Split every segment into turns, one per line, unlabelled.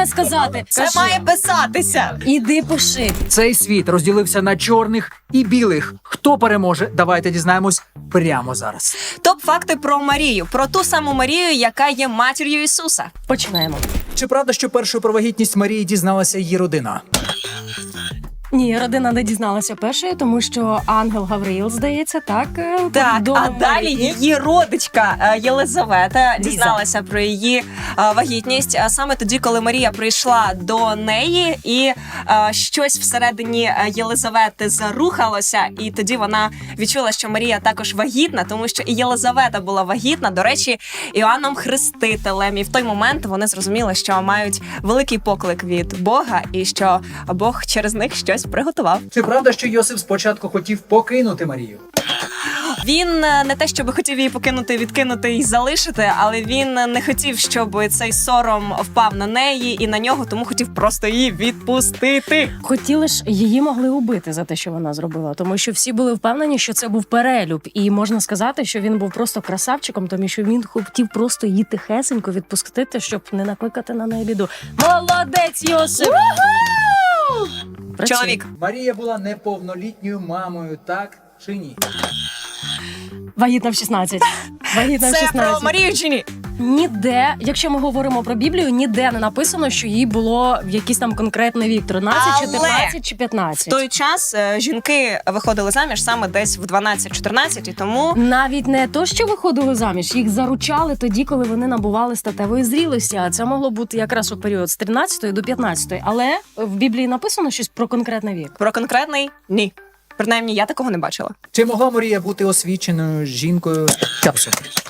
має сказати?
Це
Кажи.
має писатися.
Іди пиши.
Цей світ розділився на чорних і білих. Хто переможе? Давайте дізнаємось прямо зараз.
Топ-факти про Марію. Про ту саму Марію, яка є матір'ю Ісуса.
Починаємо.
Чи правда, що першою про вагітність Марії дізналася її родина?
Ні, родина не дізналася першою, тому що ангел Гавриїл, здається, так?
Так,
повідомив
а далі
Марії.
її родичка Єлизавета дізналася про її вагітність саме тоді, коли Марія прийшла до неї, і щось всередині Єлизавети зарухалося, і тоді вона відчула, що Марія також вагітна, тому що і Єлизавета була вагітна, до речі, Іоанном Хрестителем. І в той момент вони зрозуміли, що мають великий поклик від Бога, і що Бог через них щось приготував.
Чи правда, що Йосип спочатку хотів покинути Марію?
Він не те, щоб хотів її покинути, відкинути і залишити, але він не хотів, щоб цей сором впав на неї і на нього, тому хотів просто її відпустити.
Хотіли ж, її могли убити за те, що вона зробила, тому що всі були впевнені, що це був перелюб. І можна сказати, що він був просто красавчиком, тому що він хотів просто її тихесенько відпустити, щоб не накликати на неї біду. Молодець, Йосип! Працює.
Чоловік.
Марія була неповнолітньою мамою, так чи ні?
Вагітна в 16. Вагітна в
Це
16.
про Марію чи ні?
Ніде, якщо ми говоримо про Біблію, ніде не написано, що їй було якийсь там конкретний вік. 13,
Але
14 чи
В
15.
той час жінки виходили заміж саме десь в 12-14, і тому
Навіть не то, що виходили заміж, їх заручали тоді, коли вони набували статевої зрілості. А це могло бути якраз у період з 13 до 15. Але в Біблії написано щось про конкретний вік.
про конкретний – ні. Принаймні, я такого не бачила.
Чи могла Марія бути освіченою жінкою часу?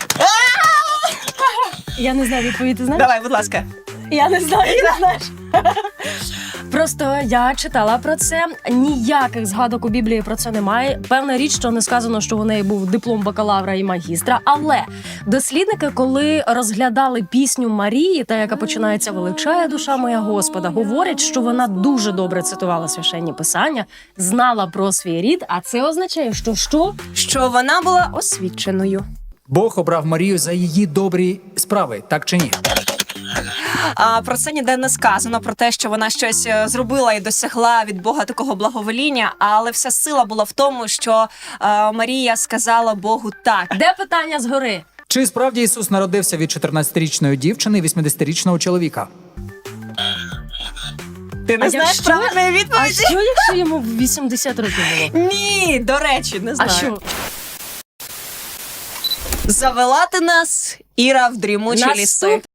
Я не знаю відповідь, ти знаєш?
Давай, будь ласка.
Я не знаю, ти знаєш. Просто я читала про це. Ніяких згадок у Біблії про це немає. Певна річ, що не сказано, що у неї був диплом бакалавра і магістра. Але дослідники, коли розглядали пісню Марії, та яка починається «Величає душа моя Господа», говорять, що вона дуже добре цитувала священні писання, знала про свій рід, а це означає, що
Що вона була освіченою.
Бог обрав Марію за її добрі справи, так чи ні?
Про це ніде не сказано, про те, що вона щось зробила і досягла від Бога такого благовоління, але вся сила була в тому, що Марія сказала Богу так.
Де питання згори?
Чи справді Ісус народився від 14-річної дівчини і 80-річного чоловіка?
Ти не знаєш
якщо-
правильної
А
відповіді?
що, якщо йому 80 років було?
Ні, до речі, не
А
знаю.
що?
Завела ти нас, Іра, в дрімучі ліси.